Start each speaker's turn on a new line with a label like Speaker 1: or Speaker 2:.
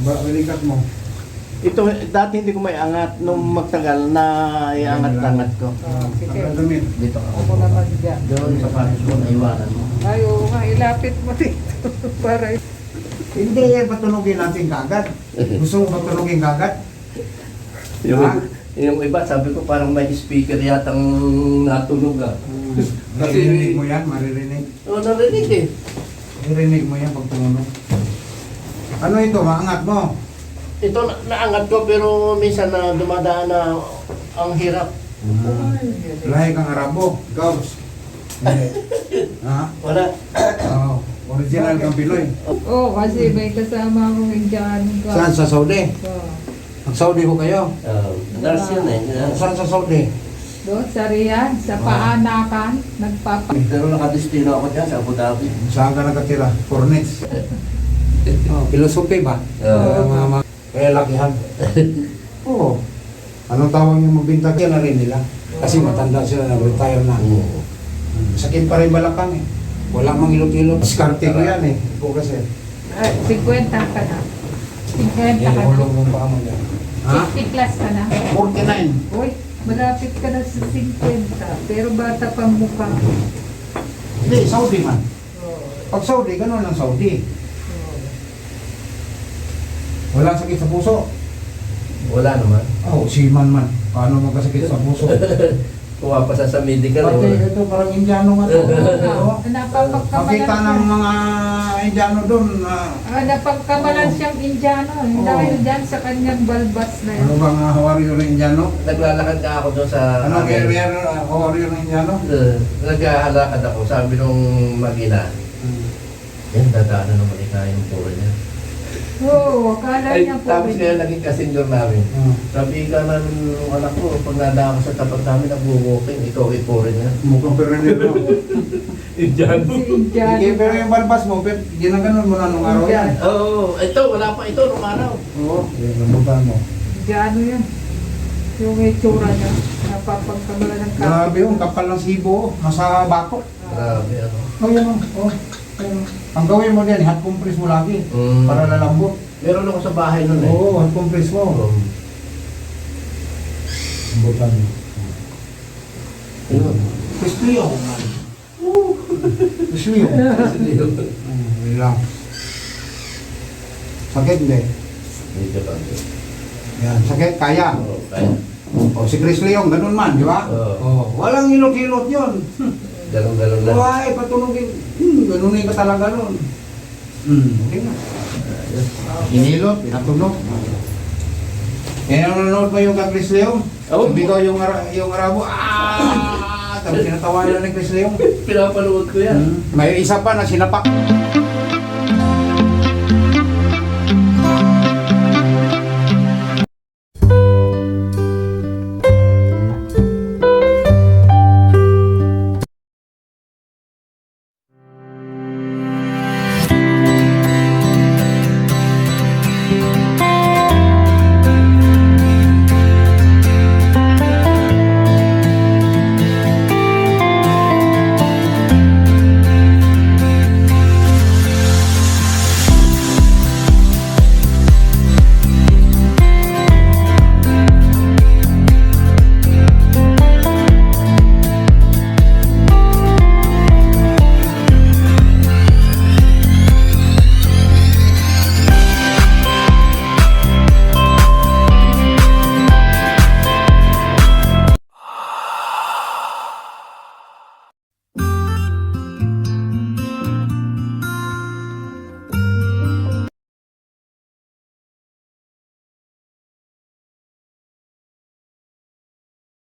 Speaker 1: Balikat mo.
Speaker 2: Ito, dati hindi ko may angat. Nung magtagal na iangat-angat ko.
Speaker 3: Sige.
Speaker 1: Damit.
Speaker 2: Dito
Speaker 3: Ako
Speaker 2: ako.
Speaker 3: naman dyan.
Speaker 2: Doon sa panis mo, naiwanan mo.
Speaker 3: Ay, oo nga, ilapit mo dito. Para
Speaker 1: Hindi yan patulogin natin kagad. Gusto mo patulogin kagad?
Speaker 2: Yung,
Speaker 1: Ha?
Speaker 2: yung iba, sabi ko parang may speaker yatang natunog ah.
Speaker 1: Maririnig mo yan, maririnig.
Speaker 2: Oo, narinig eh.
Speaker 1: Maririnig mo yan pag tumunog. Ano ito, maangat mo?
Speaker 2: Ito, naangat ko pero minsan na dumadaan na ang hirap.
Speaker 1: Lahi kang Arabo. Ikaw. Hindi. Ha?
Speaker 2: Wala.
Speaker 1: Oo. Original kang Pinoy.
Speaker 3: Oo, kasi may kasama akong Indiano ka.
Speaker 1: Saan sa Saudi?
Speaker 3: Oo.
Speaker 1: Ang Saudi ko kayo?
Speaker 2: Nurse yun eh.
Speaker 1: Saan sa Saudi?
Speaker 3: Doon sa Riyadh, sa Paanakan,
Speaker 2: Pero nakadestino ako dyan sa Abu Dhabi.
Speaker 1: Saan ka nakatira? Cornets. Oh, filosofi ba? Kaya lakihan. Oo. Anong tawag yung magbintag? Yan na rin nila. Kasi matanda sila, nag-retire na. Sakit pa rin balakang eh. Wala mang ilot-ilot. Diskarte ko yan eh. Ito kasi.
Speaker 3: 50 ka na. 50 ka na.
Speaker 1: Hulong mong pa mo yan. Ha?
Speaker 3: 50 plus ka na.
Speaker 1: 49.
Speaker 3: Uy, malapit ka na sa 50. Pero bata pang mukha.
Speaker 1: Hindi, Saudi man.
Speaker 3: Oo.
Speaker 1: Pag Saudi, ganun lang Saudi.
Speaker 3: Oo.
Speaker 1: Walang sakit sa puso.
Speaker 2: Wala naman.
Speaker 1: Oh, siman man. Paano magkasakit sa puso?
Speaker 2: Kuha pa sa medical.
Speaker 1: Pati ito parang Indiano nga to. Oo.
Speaker 3: Napapagkamalan
Speaker 1: Makita ng mga Indiano doon na
Speaker 3: napagkamalan siyang Indiano.
Speaker 1: Oo.
Speaker 3: Dahil dyan sa kanyang balbas na
Speaker 1: ano
Speaker 3: yun.
Speaker 1: bang hawaryo ng Indiano?
Speaker 2: Naglalakad ka ako doon sa...
Speaker 1: Ano kaya hawaryo ng Indiano?
Speaker 2: Naglalakad ako. Sabi nung magina, yan, dadaanan naman yung puro niya.
Speaker 3: Oo, akala
Speaker 2: Ay,
Speaker 3: niya po.
Speaker 2: tapos kaya naging kasenyor namin. Sabi ka na nung anak ko, pag nadaan ko sa tapat namin, nag-walking, ikaw ipurin niya.
Speaker 1: Mukhang perenero.
Speaker 2: Indiano.
Speaker 3: Si Indiano.
Speaker 1: Sige, pero yung balbas mo, ginaganon mo na nung araw yan.
Speaker 2: Oo, ito, wala pa ito nung araw.
Speaker 1: Oo, yung nabutan mo.
Speaker 3: Indiano yan. Yung itsura niya. Napapagkamalan ng
Speaker 1: Grabe yung kapal ng sibo, nasa bakok.
Speaker 2: Grabe, ano.
Speaker 1: Oh, yan oh. Ayun. Ang gawin mo din, hot compress mo lagi. Para lalambot.
Speaker 2: Meron ako sa bahay nun eh.
Speaker 1: Oo, hot compress mo. Lambutan mo.
Speaker 2: Ayun.
Speaker 1: Kristiyo. Kristiyo. Lang. Sakit hindi.
Speaker 2: Medyo pa.
Speaker 1: Yan, sakit, kaya.
Speaker 2: Oo, kaya.
Speaker 1: O, si Chris Leong, ganun man, di ba?
Speaker 2: Oo.
Speaker 1: Walang hilot-hilot yun.
Speaker 2: Galong-galong lang.
Speaker 1: Ay, patunogin. Ganunin ka talaga nun. Okay na. Inilot, pinatunog. Kaya nanonood ba yung kay Chris Leong?
Speaker 2: Oo.
Speaker 1: Sabi ko yung Arabo, tapos tinatawanan ni Chris Leong.
Speaker 2: Pinapanood ko yan.
Speaker 1: May isa pa na sinapak.